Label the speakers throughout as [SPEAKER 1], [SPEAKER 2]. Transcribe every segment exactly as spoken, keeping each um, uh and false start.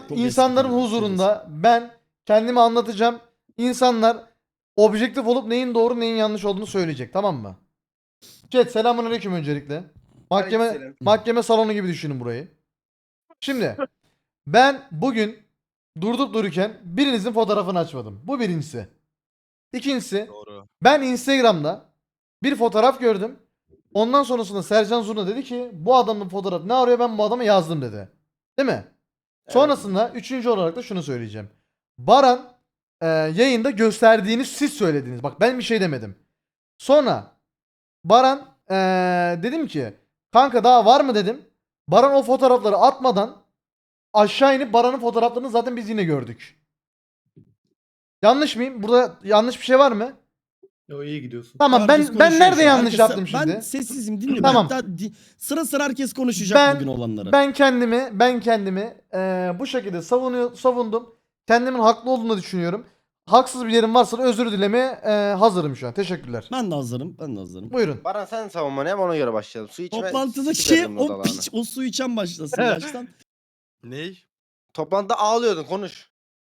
[SPEAKER 1] Çok
[SPEAKER 2] insanların
[SPEAKER 1] eski,
[SPEAKER 2] huzurunda ben kendimi anlatacağım. İnsanlar objektif olup neyin doğru neyin yanlış olduğunu söyleyecek, tamam mı? Chat selamünaleyküm öncelikle. Mahkeme
[SPEAKER 3] Aleykümselam.
[SPEAKER 2] mahkeme salonu gibi düşünün burayı. Şimdi ben bugün durdup dururken birinizin fotoğrafını açmadım. Bu birincisi. İkincisi,
[SPEAKER 4] Doğru.
[SPEAKER 2] ben Instagram'da bir fotoğraf gördüm. Ondan sonrasında Sercan Zurna dedi ki bu adamın fotoğrafı ne arıyor, ben bu adama yazdım dedi. Değil mi? Sonrasında üçüncü olarak da şunu söyleyeceğim. Baran e, yayında gösterdiğini siz söylediniz. Bak ben bir şey demedim. Sonra Baran e, dedim ki kanka daha var mı dedim. Baran o fotoğrafları atmadan aşağı inip Baran'ın fotoğraflarını zaten biz yine gördük. Yanlış mıyım? Burada yanlış bir şey var mı?
[SPEAKER 3] Yo iyi gidiyorsun.
[SPEAKER 2] Tamam
[SPEAKER 1] Herkes
[SPEAKER 2] ben ben
[SPEAKER 1] konuşuyor
[SPEAKER 2] nerede
[SPEAKER 1] şu an.
[SPEAKER 2] yanlış
[SPEAKER 1] Herkes-
[SPEAKER 2] yaptım şimdi?
[SPEAKER 1] Ben sessizim, dinliyorum.
[SPEAKER 2] Tamam.
[SPEAKER 1] Hatta di- sıra sıra herkes konuşacak
[SPEAKER 2] Ben-
[SPEAKER 1] bugün olanları.
[SPEAKER 2] Ben kendimi ben kendimi eee, bu şekilde savunuyor savundum. Kendimin haklı olduğunu düşünüyorum. Haksız bir yerim varsa da özür dilemeye eee, hazırım şu an. Teşekkürler.
[SPEAKER 1] Ben de hazırım. Ben de hazırım.
[SPEAKER 2] Buyurun.
[SPEAKER 5] Baran sen savunmanı yap, ona göre başlayalım. Su içme.
[SPEAKER 1] Toplantıdaki
[SPEAKER 5] sikerim
[SPEAKER 1] o
[SPEAKER 5] odalarını.
[SPEAKER 1] piç, o su içen başlasın baştan.
[SPEAKER 4] Ney?
[SPEAKER 5] Toplantıda ağlıyordun, konuş.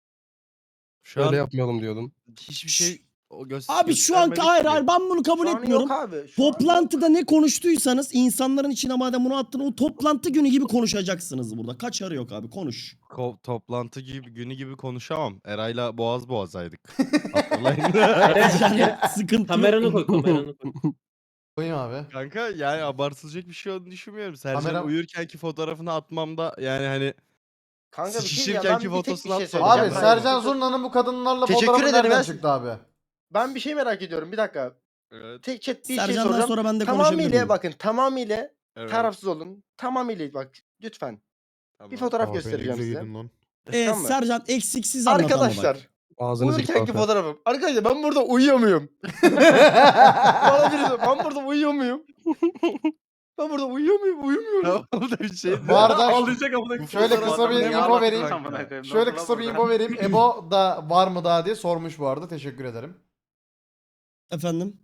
[SPEAKER 4] Şu an
[SPEAKER 6] Öyle yapmayalım diyordun.
[SPEAKER 4] hiçbir şey o göster.
[SPEAKER 1] Abi şu an hayır hayır ben bunu kabul
[SPEAKER 5] Şu an
[SPEAKER 1] etmiyorum.
[SPEAKER 5] yok abi. Şu an
[SPEAKER 1] Toplantıda ne konuştuysanız insanların içine madem bunu attın o toplantı günü gibi konuşacaksınız burada. Kaçarı yok abi, konuş.
[SPEAKER 4] Ko- toplantı gibi günü gibi konuşamam. Eray'la boğaz boğazaydık. Hatırlayın.
[SPEAKER 1] Yani sıkıntı
[SPEAKER 3] Kameranı
[SPEAKER 1] yok.
[SPEAKER 3] koy kameranı koy.
[SPEAKER 2] Koyayım abi.
[SPEAKER 4] Kanka yani abartılacak bir şey olduğunu düşünmüyorum. Sercan
[SPEAKER 2] Kamera-
[SPEAKER 4] uyurkenki fotoğrafını atmamda yani hani
[SPEAKER 5] Kanka bir şey diyeceğim. Ben
[SPEAKER 4] sıçışırkenki
[SPEAKER 5] bir tek bir
[SPEAKER 4] fotosunu
[SPEAKER 5] şey
[SPEAKER 4] atmadım.
[SPEAKER 2] Abi
[SPEAKER 5] söyleyeceğim.
[SPEAKER 2] Sercan Zurna'nın bu kadınlarla
[SPEAKER 5] Teşekkür
[SPEAKER 2] fotoğrafı
[SPEAKER 5] ederim
[SPEAKER 2] nereden
[SPEAKER 5] ya.
[SPEAKER 2] çıktı abi?
[SPEAKER 5] Ben bir şey merak ediyorum. Bir dakika.
[SPEAKER 4] Evet,
[SPEAKER 5] Tek chat bir şey
[SPEAKER 1] Sercan'dan
[SPEAKER 5] soracağım.
[SPEAKER 1] sonra ben de konuşabilir
[SPEAKER 5] Tamamıyla
[SPEAKER 1] miyim?
[SPEAKER 5] bakın. Tamamıyla
[SPEAKER 4] evet.
[SPEAKER 5] tarafsız olun. Tamamıyla bak lütfen.
[SPEAKER 4] Tamam.
[SPEAKER 5] Bir fotoğraf göstereceğim size.
[SPEAKER 1] Ee,
[SPEAKER 5] Tamam mı?
[SPEAKER 1] Sercan eksiksiz anlat ama bak.
[SPEAKER 5] Arkadaşlar.
[SPEAKER 6] Ağzını zik
[SPEAKER 5] Uyurkenki
[SPEAKER 6] kafa.
[SPEAKER 5] fotoğrafım. Arkadaşlar ben burada uyuyor muyum? Bana birisi ben burada uyuyor muyum? Ben burada uyuyor muyum? Uyumuyorum.
[SPEAKER 4] Tamam da bir şey.
[SPEAKER 2] Bu arada
[SPEAKER 3] Ağlayacak amına
[SPEAKER 2] şöyle kısa bir info vereyim.
[SPEAKER 3] koyayım.
[SPEAKER 2] Şöyle kısa bir info vereyim. Ebo da var mı daha diye sormuş bu arada. Teşekkür ederim.
[SPEAKER 1] Efendim?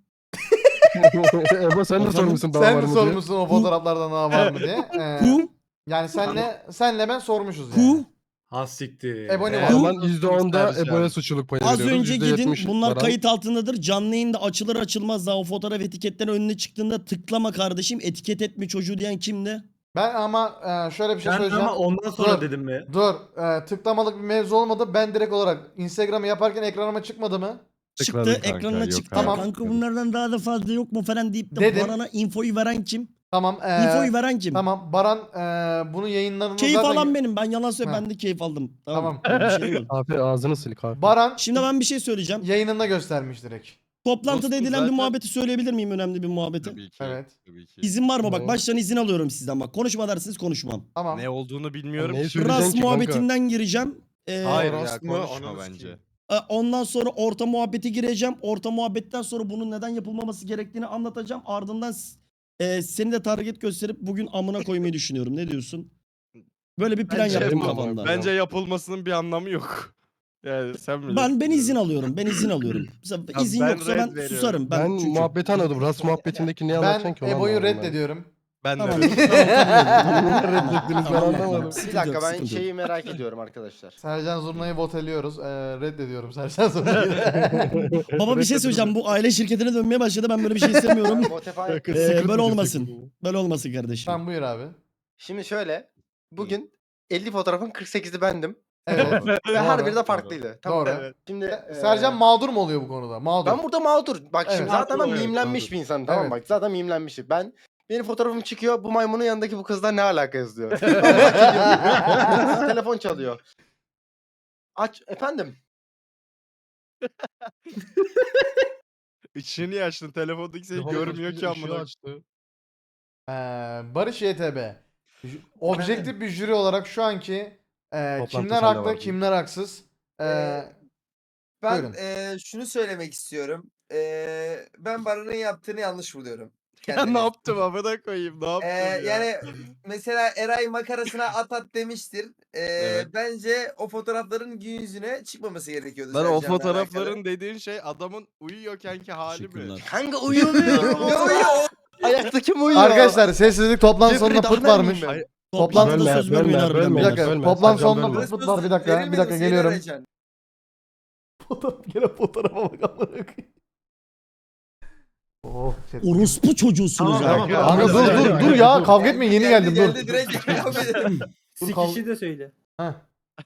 [SPEAKER 6] Ebo sen de
[SPEAKER 1] Efendim?
[SPEAKER 6] sormuşsun daha
[SPEAKER 2] Sen
[SPEAKER 6] var
[SPEAKER 2] mi
[SPEAKER 6] mı diye.
[SPEAKER 2] sormuşsun o fotoğraflardan daha var mı diye. Ee,
[SPEAKER 1] Ku?
[SPEAKER 2] yani senle senle ben sormuşuz yani.
[SPEAKER 1] Ku?
[SPEAKER 3] Ha siktir.
[SPEAKER 2] Ebony
[SPEAKER 3] Ee,
[SPEAKER 2] var.
[SPEAKER 6] O zaman yüzde onda
[SPEAKER 4] Sercan.
[SPEAKER 6] Ebo'ya suçluluk payı
[SPEAKER 1] Az
[SPEAKER 6] veriyoruz.
[SPEAKER 1] önce
[SPEAKER 6] yüzde
[SPEAKER 1] gidin,
[SPEAKER 6] yetmiş
[SPEAKER 1] bunlar
[SPEAKER 6] Baran.
[SPEAKER 1] kayıt altındadır. Canlı yayında açılır açılmaz daha o fotoğraf etiketleri önüne çıktığında tıklama kardeşim, etiket etme çocuğu diyen kimdi?
[SPEAKER 2] Ben ama e, şöyle bir şey
[SPEAKER 3] Ben
[SPEAKER 2] söyleyeceğim.
[SPEAKER 3] ama ondan sonra
[SPEAKER 2] Dur.
[SPEAKER 3] dedim mi?
[SPEAKER 2] Dur. e, tıklamalık bir mevzu olmadı. Ben direkt olarak Instagram'ı yaparken ekranıma çıkmadı mı?
[SPEAKER 4] Tıkladım
[SPEAKER 1] Çıktı,
[SPEAKER 4] kanka,
[SPEAKER 1] ekranına
[SPEAKER 4] yok
[SPEAKER 1] çıktı.
[SPEAKER 2] Tamam.
[SPEAKER 1] Kanka bunlardan daha da fazla yok mu falan deyip de
[SPEAKER 2] Dedim.
[SPEAKER 1] Baran'a infoyu veren kim?
[SPEAKER 2] Tamam. e,
[SPEAKER 1] infoyu veren kim?
[SPEAKER 2] Tamam. Baran e, bunun yayınlarını
[SPEAKER 1] Keyif
[SPEAKER 2] zaten...
[SPEAKER 1] alan benim. Ben yalan söyle,
[SPEAKER 2] Ha.
[SPEAKER 1] ben de keyif aldım.
[SPEAKER 2] Tamam.
[SPEAKER 1] Bir şey yok.
[SPEAKER 6] Kahve ağzını sil kahve.
[SPEAKER 2] Baran
[SPEAKER 1] Şimdi ben bir şey söyleyeceğim.
[SPEAKER 2] yayınında göstermiş direkt.
[SPEAKER 1] Toplantıda
[SPEAKER 4] Dostum
[SPEAKER 1] edilen bir
[SPEAKER 4] zaten-
[SPEAKER 1] muhabbeti söyleyebilir miyim? Önemli bir muhabbeti.
[SPEAKER 4] Tabii ki.
[SPEAKER 2] Evet.
[SPEAKER 4] Tabii ki.
[SPEAKER 1] İzin var mı? Bak
[SPEAKER 6] Tamam.
[SPEAKER 1] baştan izin alıyorum sizden bak. Konuşma dersiniz konuşmam.
[SPEAKER 2] Tamam.
[SPEAKER 4] Ne olduğunu bilmiyorum.
[SPEAKER 6] Neyi
[SPEAKER 4] ki.
[SPEAKER 6] söyleyeceksin
[SPEAKER 1] Ras
[SPEAKER 6] ki kanka?
[SPEAKER 1] muhabbetinden gireceğim. Ee,
[SPEAKER 4] Hayır ya
[SPEAKER 6] Rast mı?
[SPEAKER 4] konuşma
[SPEAKER 6] Ananı
[SPEAKER 4] bence.
[SPEAKER 6] sikeyim.
[SPEAKER 1] e, Ondan sonra orta muhabbeti gireceğim. Orta muhabbetten sonra bunun neden yapılmaması gerektiğini anlatacağım. Ardından s- e, seni de target gösterip bugün amına koymayı düşünüyorum. Ne diyorsun? Böyle bir plan
[SPEAKER 4] Bence-
[SPEAKER 1] yaptım
[SPEAKER 6] Benim
[SPEAKER 1] kafamda.
[SPEAKER 4] Bence yapılmasının bir anlamı yok. Yani sen bilirsin.
[SPEAKER 1] Ben ben izin alıyorum. Ben izin alıyorum. Mesela
[SPEAKER 4] Ya
[SPEAKER 1] izin
[SPEAKER 4] ben
[SPEAKER 1] yoksa
[SPEAKER 4] red
[SPEAKER 1] ben
[SPEAKER 4] veriyorum.
[SPEAKER 1] susarım.
[SPEAKER 6] Ben,
[SPEAKER 1] Ben, çünkü.
[SPEAKER 6] muhabbeti anladım. Ras muhabbetindeki ne anlatacaksın
[SPEAKER 2] Ben
[SPEAKER 6] ki? onu
[SPEAKER 2] Ebo'yu
[SPEAKER 6] anlamadım ben.
[SPEAKER 2] reddediyorum.
[SPEAKER 4] Ben
[SPEAKER 1] Tamam.
[SPEAKER 4] de.
[SPEAKER 1] tamam, tamam, tamam,
[SPEAKER 6] Reddettiniz, ben
[SPEAKER 1] tamam,
[SPEAKER 6] anlamadım.
[SPEAKER 1] tamam.
[SPEAKER 5] Bir
[SPEAKER 1] Sıkıntı
[SPEAKER 5] dakika
[SPEAKER 1] yok,
[SPEAKER 5] ben
[SPEAKER 1] sıkıntı yok.
[SPEAKER 5] şeyi merak ediyorum arkadaşlar.
[SPEAKER 2] Sercan Zurna'yı voteliyoruz. E, reddediyorum Sercan Zurna'yı.
[SPEAKER 1] Baba bir şey söyleyeceğim. Bu aile şirketine dönmeye başladı. Ben böyle bir şey istemiyorum.
[SPEAKER 5] Spotify.
[SPEAKER 1] Ee,
[SPEAKER 6] Secret
[SPEAKER 1] böyle
[SPEAKER 6] mi
[SPEAKER 1] olmasın.
[SPEAKER 6] diyorsun?
[SPEAKER 1] Böyle olmasın kardeşim.
[SPEAKER 2] Tamam buyur abi.
[SPEAKER 5] Şimdi şöyle. Bugün elli fotoğrafın kırk sekizi bendim.
[SPEAKER 2] Evet.
[SPEAKER 5] Ve her
[SPEAKER 2] Doğru.
[SPEAKER 5] biri de farklıydı. Tamam.
[SPEAKER 2] Doğru.
[SPEAKER 5] Şimdi e,
[SPEAKER 2] Sercan mağdur mu oluyor bu konuda? Mağdur.
[SPEAKER 5] ben burada mağdur. Bak
[SPEAKER 2] Evet.
[SPEAKER 5] şimdi zaten ben
[SPEAKER 3] Mağdur, evet,
[SPEAKER 5] mimlenmiş
[SPEAKER 3] mağdur.
[SPEAKER 5] bir insanım tamam
[SPEAKER 2] Evet.
[SPEAKER 5] bak. Zaten mimlenmişim. Ben benim fotoğrafım çıkıyor. Bu maymunun yanındaki bu kızla ne alaka yazıyor. Telefon çalıyor. Aç efendim.
[SPEAKER 4] İçini niye açtın? Telefondaki seni görmüyor ki
[SPEAKER 6] Işığı
[SPEAKER 4] amına.
[SPEAKER 6] açtı.
[SPEAKER 2] Ee, Barış Y T B. J- Objektif bir jüri olarak şu anki e,
[SPEAKER 6] Toplantı
[SPEAKER 2] kimler
[SPEAKER 6] sende
[SPEAKER 2] haklı
[SPEAKER 6] vardı.
[SPEAKER 2] kimler haksız. E,
[SPEAKER 7] Ee, Ben
[SPEAKER 2] buyurun.
[SPEAKER 7] eee, şunu söylemek istiyorum. Eee, ben Baran'ın yaptığını yanlış buluyorum.
[SPEAKER 4] Ya
[SPEAKER 7] kendimi.
[SPEAKER 4] ne yaptım amına koyayım? Ne yaptım
[SPEAKER 7] Eee,
[SPEAKER 4] ya?
[SPEAKER 7] yani mesela Eray makarasına at at demiştir. Eee,
[SPEAKER 4] Evet.
[SPEAKER 7] Bence o fotoğrafların gün yüzüne çıkmaması gerekiyordu.
[SPEAKER 4] Lan o
[SPEAKER 7] Sercan'la
[SPEAKER 4] fotoğrafların
[SPEAKER 7] alakalı.
[SPEAKER 4] dediğin şey adamın uyuyorkenki hali mi?
[SPEAKER 1] Teşekkürler.
[SPEAKER 5] Kanka uyumuyorum.
[SPEAKER 7] Ne uyuyor?
[SPEAKER 5] Ayakta kim uyuyor?
[SPEAKER 2] Arkadaşlar sessizlik toplantı sonunda
[SPEAKER 5] Jeffrey
[SPEAKER 2] pıt
[SPEAKER 5] Dahmer
[SPEAKER 2] varmış.
[SPEAKER 5] miyim ben?
[SPEAKER 4] Hayır,
[SPEAKER 1] Toplantıda
[SPEAKER 6] Bölme,
[SPEAKER 1] söz vermeyin
[SPEAKER 6] bölme,
[SPEAKER 1] harbiden
[SPEAKER 6] bölme.
[SPEAKER 2] Bir
[SPEAKER 1] beyler.
[SPEAKER 2] dakika
[SPEAKER 6] Bölme,
[SPEAKER 2] toplam
[SPEAKER 6] Sercan
[SPEAKER 2] sonunda
[SPEAKER 6] bölme.
[SPEAKER 2] pıt pıt var bir dakika bir dakika geliyorum. Fotoğraf gene fotoğrafa bak amına koyayım. Oh, chat.
[SPEAKER 1] Orospu çocuğusunuz
[SPEAKER 3] Tamam,
[SPEAKER 1] ha.
[SPEAKER 3] tamam.
[SPEAKER 2] Kanka dur dur dur ya kavga etmeyin yeni geldim dur.
[SPEAKER 7] Geldi direkt geldi.
[SPEAKER 2] Dur kav-
[SPEAKER 8] Sikişi de söyle.
[SPEAKER 2] Heh.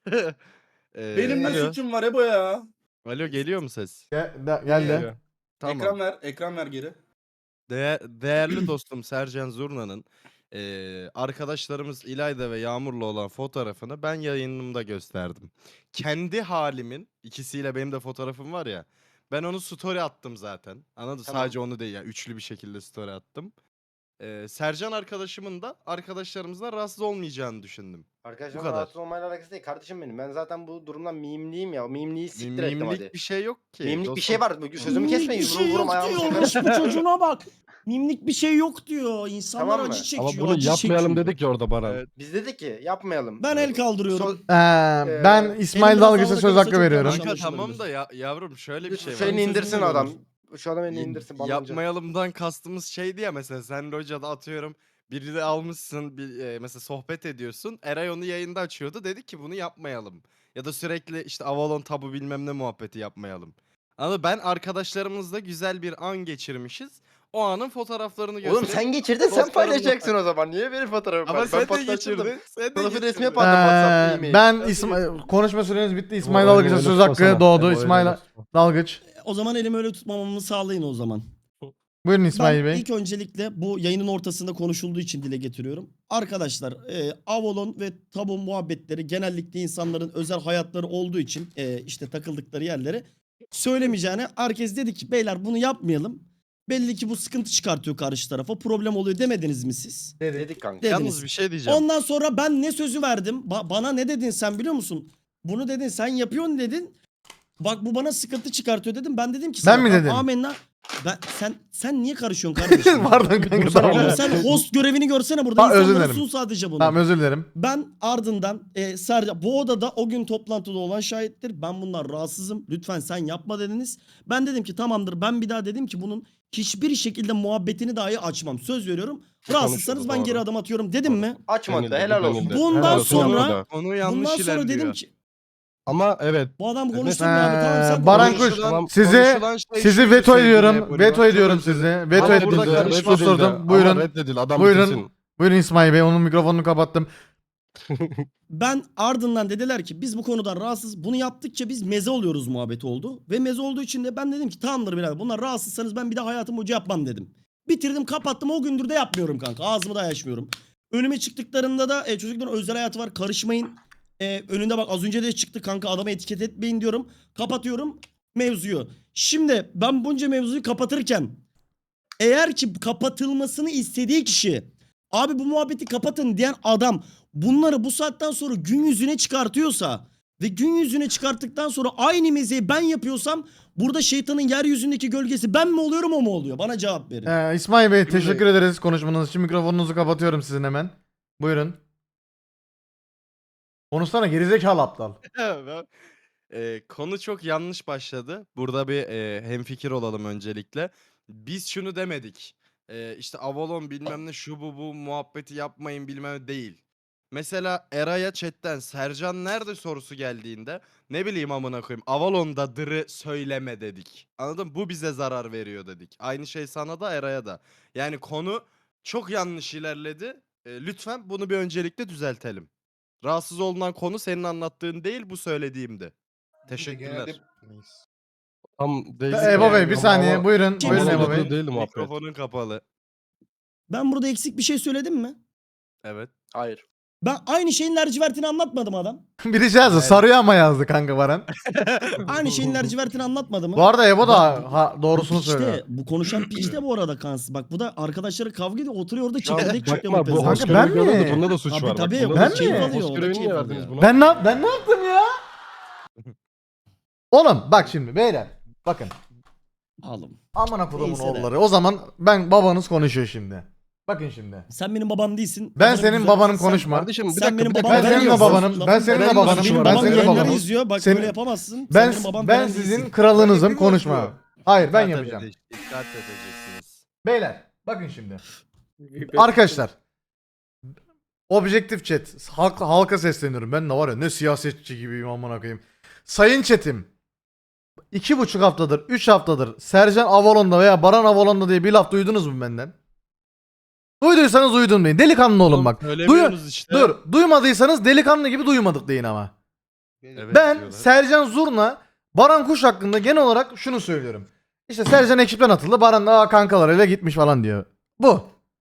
[SPEAKER 4] Ee,
[SPEAKER 5] Benim ne
[SPEAKER 4] alo.
[SPEAKER 5] suçum var Ebo ya?
[SPEAKER 4] Alo geliyor mu ses?
[SPEAKER 2] Gel- de- geldi.
[SPEAKER 4] Geliyor. Tamam.
[SPEAKER 5] Ekran ver, ekran ver geri.
[SPEAKER 4] Değer- değerli dostum Sercan Zurna'nın eee, arkadaşlarımız İlayda ve Yağmur'la olan fotoğrafını ben yayınımda gösterdim. Kendi halimin ikisiyle benim de fotoğrafım var ya. Ben onu story attım zaten. Anladın?
[SPEAKER 5] Tamam.
[SPEAKER 4] Sadece onu değil ya. Üçlü bir şekilde story attım. Eee, Sercan arkadaşımın da arkadaşlarımızdan rahatsız olmayacağını düşündüm.
[SPEAKER 5] Arkadaşlar
[SPEAKER 4] Bu kadar.
[SPEAKER 5] rahatsız olmayla alakası değil. Kardeşim benim. Ben zaten bu durumdan mimliyim ya. Mimliyi siktir
[SPEAKER 4] Mim-
[SPEAKER 5] ettim
[SPEAKER 4] Mimlik
[SPEAKER 5] hadi.
[SPEAKER 4] bir şey yok ki.
[SPEAKER 5] Mimlik bir
[SPEAKER 4] dostum.
[SPEAKER 5] şey var. Sözümü kesmeyin.
[SPEAKER 1] Mimlik bir
[SPEAKER 5] Vurum
[SPEAKER 1] şey
[SPEAKER 5] vurum
[SPEAKER 1] yok
[SPEAKER 5] ayağımı
[SPEAKER 1] diyor.
[SPEAKER 5] sokarım.
[SPEAKER 1] Orospu çocuğuna bak. Mimlik bir şey yok diyor. İnsanlar
[SPEAKER 5] Tamam mı?
[SPEAKER 1] acı çekiyor.
[SPEAKER 6] Ama bunu
[SPEAKER 1] acı
[SPEAKER 6] yapmayalım
[SPEAKER 1] çekiyor.
[SPEAKER 6] dedik ya orada Baran.
[SPEAKER 4] Evet.
[SPEAKER 5] Biz dedik ki yapmayalım.
[SPEAKER 1] Ben el kaldırıyorum.
[SPEAKER 5] So-
[SPEAKER 2] Ee, ben İsmail
[SPEAKER 1] Elimden
[SPEAKER 2] Dalgıç'a
[SPEAKER 1] sağlık
[SPEAKER 2] söz
[SPEAKER 1] olursa
[SPEAKER 2] hakkı
[SPEAKER 1] çok
[SPEAKER 2] veriyorum.
[SPEAKER 1] yanlış
[SPEAKER 4] Kanka
[SPEAKER 1] anlaşılabilir.
[SPEAKER 4] tamam da ya, yavrum şöyle bir şey var.
[SPEAKER 5] Şu elini
[SPEAKER 1] Benim
[SPEAKER 5] indirsin
[SPEAKER 1] sözümü
[SPEAKER 5] adam.
[SPEAKER 1] veriyorum.
[SPEAKER 5] Şu adam elini
[SPEAKER 4] Y-
[SPEAKER 5] indirsin. Balancı.
[SPEAKER 4] Yapmayalımdan kastımız şeydi ya mesela sen locada atıyorum biri de almışsın bir, e, mesela sohbet ediyorsun. Eray onu yayında açıyordu dedi ki bunu yapmayalım. Ya da sürekli işte Avalon tabu bilmem ne muhabbeti yapmayalım. Ama ben arkadaşlarımızla güzel bir an geçirmişiz. O anın fotoğraflarını göstereyim.
[SPEAKER 5] Oğlum sen geçirdin sen
[SPEAKER 4] Dostlarımla-
[SPEAKER 5] paylaşacaksın o zaman. Niye benim fotoğrafımı
[SPEAKER 4] Ama
[SPEAKER 5] paylaş-
[SPEAKER 4] sen
[SPEAKER 5] Ben
[SPEAKER 4] de
[SPEAKER 5] patlatırdım.
[SPEAKER 4] geçirdin. Sen de
[SPEAKER 5] Profil resmi
[SPEAKER 4] geçirdin.
[SPEAKER 5] yapardım WhatsApp,
[SPEAKER 2] Ee,
[SPEAKER 5] e-mail.
[SPEAKER 2] ben İsmail konuşma süreniz bitti. İsmail
[SPEAKER 6] Ebo,
[SPEAKER 2] Dalgıç'a
[SPEAKER 6] elini
[SPEAKER 2] söz
[SPEAKER 6] tutsana.
[SPEAKER 2] hakkı doğdu.
[SPEAKER 6] Ebo, elini
[SPEAKER 2] İsmail
[SPEAKER 6] tutma.
[SPEAKER 2] Dalgıç.
[SPEAKER 1] O zaman elimi öyle tutmamamı sağlayın o zaman.
[SPEAKER 2] Buyurun İsmail
[SPEAKER 1] Ben
[SPEAKER 2] Bey.
[SPEAKER 1] ilk öncelikle bu yayının ortasında konuşulduğu için dile getiriyorum. Arkadaşlar e, Avalon ve tabu muhabbetleri genellikle insanların özel hayatları olduğu için e, işte takıldıkları yerleri söylemeyeceğine herkes dedi ki beyler bunu yapmayalım. Belli ki bu sıkıntı çıkartıyor karşı tarafa problem oluyor demediniz mi siz?
[SPEAKER 5] Dedik kanka.
[SPEAKER 1] Dediniz.
[SPEAKER 4] Yalnız bir şey diyeceğim.
[SPEAKER 1] Ondan sonra ben ne sözü verdim? Ba- bana ne dedin sen biliyor musun? Bunu dedin sen yapıyorsun dedin. Bak bu bana sıkıntı çıkartıyor dedim. Ben dedim ki
[SPEAKER 2] Ben
[SPEAKER 1] sana,
[SPEAKER 2] mi
[SPEAKER 1] "Tamam,
[SPEAKER 2] dedim?"
[SPEAKER 1] Amenna. Ben sen sen niye karışıyorsun kardeşim?
[SPEAKER 2] Pardon kanka tamam.
[SPEAKER 1] Oğlum sen host görevini görsene burada
[SPEAKER 2] Ha, özür
[SPEAKER 1] insanlara
[SPEAKER 2] dilerim.
[SPEAKER 1] sun sadece bunu.
[SPEAKER 2] Tamam özür dilerim.
[SPEAKER 1] Ben ardından e, Sercan bu odada o gün toplantıda olan şahittir. Ben bunlar rahatsızım. Lütfen sen yapma dediniz. Ben dedim ki tamamdır. Ben bir daha dedim ki bunun hiçbir şekilde muhabbetini dahi açmam. Söz veriyorum. Rahatsızsanız
[SPEAKER 6] Konuşuldu,
[SPEAKER 1] ben
[SPEAKER 6] doğru.
[SPEAKER 1] geri adım atıyorum dedim mi?
[SPEAKER 5] Açmadı
[SPEAKER 6] Denildi,
[SPEAKER 5] helal olsun.
[SPEAKER 6] denildi.
[SPEAKER 1] Bundan
[SPEAKER 6] Helal olsun
[SPEAKER 1] sonra-
[SPEAKER 6] yapmadı.
[SPEAKER 4] Konu yanlış
[SPEAKER 1] Bundan sonra
[SPEAKER 4] ilerliyor.
[SPEAKER 1] dedim ki
[SPEAKER 6] Ama evet.
[SPEAKER 1] bu adam
[SPEAKER 6] Evet.
[SPEAKER 1] konuşsun ya abi tamam sen
[SPEAKER 2] Ee, Baran
[SPEAKER 1] konuş.
[SPEAKER 2] Kuş,
[SPEAKER 4] Konuşulan-
[SPEAKER 2] sizi-
[SPEAKER 4] konuşulan şey
[SPEAKER 2] Sizi
[SPEAKER 4] şuydu
[SPEAKER 2] veto
[SPEAKER 4] sevgili
[SPEAKER 2] ediyorum.
[SPEAKER 4] Ebru.
[SPEAKER 2] Veto
[SPEAKER 4] Çok
[SPEAKER 2] ediyorum
[SPEAKER 4] özür
[SPEAKER 2] sizi.
[SPEAKER 4] dilerim.
[SPEAKER 2] Veto
[SPEAKER 4] Ama
[SPEAKER 2] edildi.
[SPEAKER 4] burada
[SPEAKER 6] Reddedildi,
[SPEAKER 4] karışma
[SPEAKER 2] Susturdum.
[SPEAKER 6] reddedildi. Ama
[SPEAKER 2] Buyurun.
[SPEAKER 6] reddedildi. Adam
[SPEAKER 2] Buyurun.
[SPEAKER 6] bitirsin.
[SPEAKER 2] Buyurun İsmail Bey. Onun mikrofonunu kapattım.
[SPEAKER 1] Ben ardından dediler ki biz bu konudan rahatsız. Bunu yaptıkça biz meze oluyoruz muhabbeti oldu. Ve meze olduğu için de ben dedim ki tamamdır birader bunlar rahatsızsanız ben bir daha hayatım boyunca yapmam dedim. Bitirdim kapattım o gündür de yapmıyorum kanka. Ağzımı da açmıyorum. Önüme çıktıklarında da e, çocukların özel hayatı var karışmayın. E, önünde bak az önce de çıktı kanka adamı etiket etmeyin diyorum. Kapatıyorum mevzuyu. Şimdi ben bunca mevzuyu kapatırken eğer ki kapatılmasını istediği kişi abi bu muhabbeti kapatın diyen adam bunları bu saatten sonra gün yüzüne çıkartıyorsa ve gün yüzüne çıkarttıktan sonra aynı mezeyi ben yapıyorsam burada şeytanın yeryüzündeki gölgesi ben mi oluyorum o mu oluyor? Bana cevap verin.
[SPEAKER 2] Ee, İsmail Bey teşekkür ederiz konuşmanız için. Mikrofonunuzu kapatıyorum sizin hemen. Buyurun. Konuşsana gerizekalı aptal.
[SPEAKER 4] Ben- Eee, konu çok yanlış başladı. Burada bir eee hemfikir olalım öncelikle. Biz şunu demedik. Eee, işte Avalon bilmem ne şu bu bu muhabbeti yapmayın bilmem ne değil. Mesela Eray'a chatten Sercan nerede sorusu geldiğinde ne bileyim amına koyayım Avalon'da dırı söyleme dedik. Anladın mı? Bu bize zarar veriyor dedik. Aynı şey sana da Eray'a da. Yani konu çok yanlış ilerledi. Eee, lütfen bunu bir öncelikle düzeltelim. Rahatsız olunan konu senin anlattığın değil bu söylediğimdi. Teşekkürler.
[SPEAKER 6] Tam değil.
[SPEAKER 2] Ee, Ebo Bey bir
[SPEAKER 6] Ama-
[SPEAKER 2] saniye
[SPEAKER 6] ama-
[SPEAKER 2] buyurun.
[SPEAKER 1] Kim
[SPEAKER 2] Buyurun
[SPEAKER 1] söyledi?
[SPEAKER 2] Ebo Bey.
[SPEAKER 6] Değil muhabbet.
[SPEAKER 4] Mikrofonun kapalı.
[SPEAKER 1] Ben burada eksik bir şey söyledim mi?
[SPEAKER 4] Evet.
[SPEAKER 5] Hayır.
[SPEAKER 1] Ben aynı şeyin lacivertini anlatmadım adam.
[SPEAKER 2] Biri şey yazdı sarıyor ama yazdı kanka Baran.
[SPEAKER 1] Aynı şeyin lacivertini anlatmadı mı?
[SPEAKER 2] Bu arada Ebo da ha, doğrusunu
[SPEAKER 1] Piç de,
[SPEAKER 2] söylüyor.
[SPEAKER 1] bu konuşan piç de bu arada kansız. Bak bu da arkadaşları kavga ediyor oturuyor orada
[SPEAKER 6] Şu an
[SPEAKER 1] çekirdek çıkıyor.
[SPEAKER 6] Bakma bu hoş
[SPEAKER 2] Kanka ben
[SPEAKER 6] görevi görüyordu,
[SPEAKER 2] mi?
[SPEAKER 6] Bunda da suç
[SPEAKER 1] Tabii,
[SPEAKER 6] var. Bak,
[SPEAKER 1] tabii,
[SPEAKER 6] bunda
[SPEAKER 2] ben
[SPEAKER 6] da suç
[SPEAKER 2] mi?
[SPEAKER 6] var.
[SPEAKER 1] Alıyor, o
[SPEAKER 6] Hoş
[SPEAKER 1] da
[SPEAKER 6] görevini
[SPEAKER 1] keyif
[SPEAKER 6] niye
[SPEAKER 1] alıyor.
[SPEAKER 6] verdiniz buna?
[SPEAKER 2] Ben ne ben ne yaptım ya? Oğlum bak şimdi beyler. Bakın.
[SPEAKER 1] Alım.
[SPEAKER 2] Amına kodumun
[SPEAKER 1] Neyse de.
[SPEAKER 2] oğulları. O zaman ben babanız konuşuyor şimdi. Bakın şimdi.
[SPEAKER 1] Sen benim babam değilsin.
[SPEAKER 2] Ben
[SPEAKER 1] Lafını
[SPEAKER 2] senin
[SPEAKER 1] güzel-
[SPEAKER 2] babanım
[SPEAKER 1] sen-
[SPEAKER 2] konuşma.
[SPEAKER 6] Kardeşim bir
[SPEAKER 1] Sen
[SPEAKER 6] dakika
[SPEAKER 1] benim
[SPEAKER 6] bir dakika.
[SPEAKER 1] babam
[SPEAKER 2] Ben senin de
[SPEAKER 1] değilsin.
[SPEAKER 2] babanım.
[SPEAKER 1] Lafın-
[SPEAKER 2] Ben senin de
[SPEAKER 6] Benim
[SPEAKER 2] babanım.
[SPEAKER 1] Benim
[SPEAKER 2] Ben
[SPEAKER 1] babam
[SPEAKER 2] senin de
[SPEAKER 1] yayınları
[SPEAKER 2] babanım.
[SPEAKER 1] izliyor. Bak
[SPEAKER 2] Senin-
[SPEAKER 1] böyle yapamazsın.
[SPEAKER 2] Ben
[SPEAKER 1] Sen benim babam
[SPEAKER 2] ben
[SPEAKER 1] falan
[SPEAKER 2] sizin
[SPEAKER 1] değilsin.
[SPEAKER 2] kralınızım
[SPEAKER 3] Hepimiz
[SPEAKER 2] konuşma.
[SPEAKER 3] bu.
[SPEAKER 2] Hayır ben
[SPEAKER 4] Dikkat
[SPEAKER 2] yapacağım.
[SPEAKER 4] edece- Dikkat edeceksiniz.
[SPEAKER 2] Beyler bakın şimdi. Arkadaşlar. Objektif chat. Halk, halka sesleniyorum. Ben de var ya ne siyasetçi gibiyim amına koyayım. Sayın chatim. iki buçuk haftadır, üç haftadır Sercan Avalon'da veya Baran Avalon'da diye bir laf duydunuz mu benden? Duyduysanız uydun deyin. Delikanlı olun bak.
[SPEAKER 4] Söylemiyorsunuz işte.
[SPEAKER 2] Dur. Duymadıysanız delikanlı gibi duymadık deyin ama.
[SPEAKER 4] Evet
[SPEAKER 2] Ben
[SPEAKER 4] diyorlar.
[SPEAKER 2] Sercan Zurna, Baran Kuş hakkında genel olarak şunu söylüyorum. İşte Sercan ekipten atıldı. Baran da "Aa, kankalarıyla gitmiş falan diyor. Bu.